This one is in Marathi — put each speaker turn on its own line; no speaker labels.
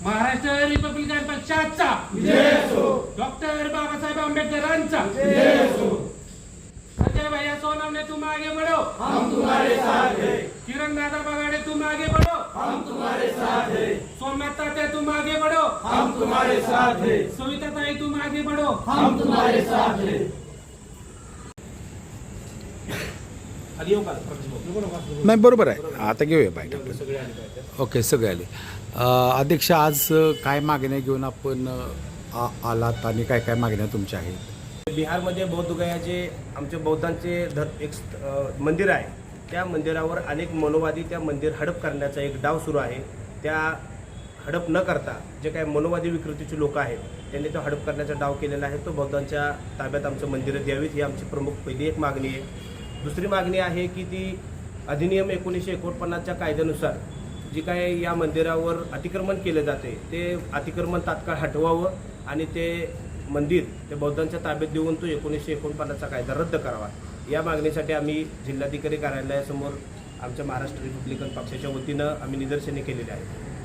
महाराष्ट्र रिपब्लिकन पक्षाचा डॉक्टर बाबासाहेब आंबेडकरांचा संजय भैया सोनवणे तुम आगे बढ़ो,
हम तुम्हारे साथ हैं।
किरण दादा बगाड़े तुम आगे बढ़ो,
हम तुम्हारे साथ हैं।
सोमनाथ तात्या तुम आगे बढ़ो,
हम तुम्हारे साथ हैं।
सविता ताई तुम आगे बढ़ो,
हम तुम्हारे साथ हैं।
नाही बरोबर आहे, आता घेऊया बाईट आपण. ओके, सगळे आले. अध्यक्ष, आज काय मागण्या घेऊन आपण आलात आणि काय काय मागण्या तुमच्या आहेत?
बिहारमध्ये बौद्धगया जे आमच्या बौद्धांचे एक मंदिर आहे, त्या मंदिरावर अनेक मनोवादी त्या मंदिर हडप करण्याचा एक डाव सुरू आहे. त्या हडप न करता जे काही मनोवादी विकृतीचे लोक आहेत त्यांनी तो हडप करण्याचा डाव केलेला आहे. तो बौद्धांच्या ताब्यात आमचं मंदिरं द्यावीत ही आमची प्रमुख पहिली एक मागणी आहे. दुसरी मागणी आहे की ती अधिनियम 1949च्या कायद्यानुसार जी काय या मंदिरावर अतिक्रमण केले जाते ते अतिक्रमण तात्काळ हटवावं आणि ते मंदिर ते बौद्धांच्या ताब्यात देऊन तो 1949चा कायदा रद्द करावा. या मागणीसाठी आम्ही जिल्हाधिकारी कार्यालयासमोर आमच्या महाराष्ट्र रिपब्लिकन पक्षाच्या वतीनं आम्ही निदर्शने केलेली आहेत.